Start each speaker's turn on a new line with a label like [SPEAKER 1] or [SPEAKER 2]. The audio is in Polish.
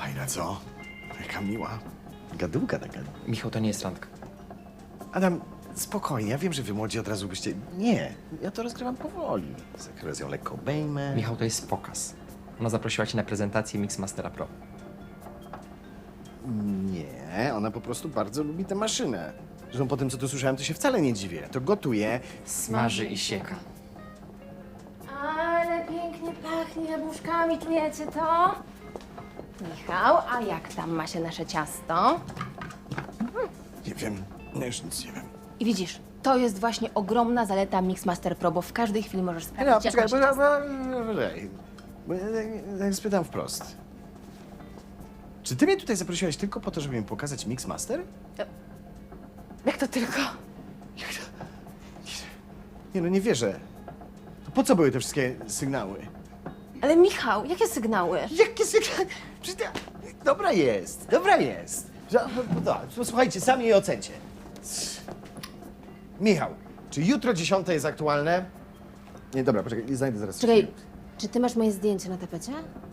[SPEAKER 1] Fajna, co? Jaka miła. Gadułka taka.
[SPEAKER 2] Michał, to nie jest randka.
[SPEAKER 1] Adam, spokojnie, ja wiem, że wy młodzi od razu byście... Nie, ja to rozgrywam powoli. Zakres ją lekko obejmę.
[SPEAKER 2] Michał, to jest pokaz. Ona zaprosiła cię na prezentację Mixmastera Pro.
[SPEAKER 1] Nie, ona po prostu bardzo lubi tę maszynę. Zresztą po tym, co tu słyszałem, to się wcale nie dziwię. To gotuje.
[SPEAKER 2] Smaży i sieka.
[SPEAKER 3] Ale pięknie pachnie jabłuszkami, czujecie to? Michał, a jak tam ma się nasze ciasto?
[SPEAKER 1] Nie wiem, ja już nic nie wiem.
[SPEAKER 3] I widzisz, to jest właśnie ogromna zaleta Mixmaster Pro, bo w każdej chwili możesz
[SPEAKER 1] No,
[SPEAKER 3] sprawdzić,
[SPEAKER 1] poczekaj,
[SPEAKER 3] jak ma się
[SPEAKER 1] poczekaj. Bo ja spytam wprost. Czy ty mnie tutaj zaprosiłeś tylko po to, żeby mi pokazać Mixmaster?
[SPEAKER 3] Jak to tylko?
[SPEAKER 1] Nie no, nie wierzę. To po co były te wszystkie sygnały?
[SPEAKER 3] Ale Michał, jakie sygnały?
[SPEAKER 1] Jakie sygnały? Przecież dobra jest, dobra jest. Posłuchajcie, sami jej ocencie. Michał, czy jutro 10 jest aktualne? Nie, dobra, poczekaj, znajdę zaraz.
[SPEAKER 3] Czekaj, czy ty masz moje zdjęcie na tapecie?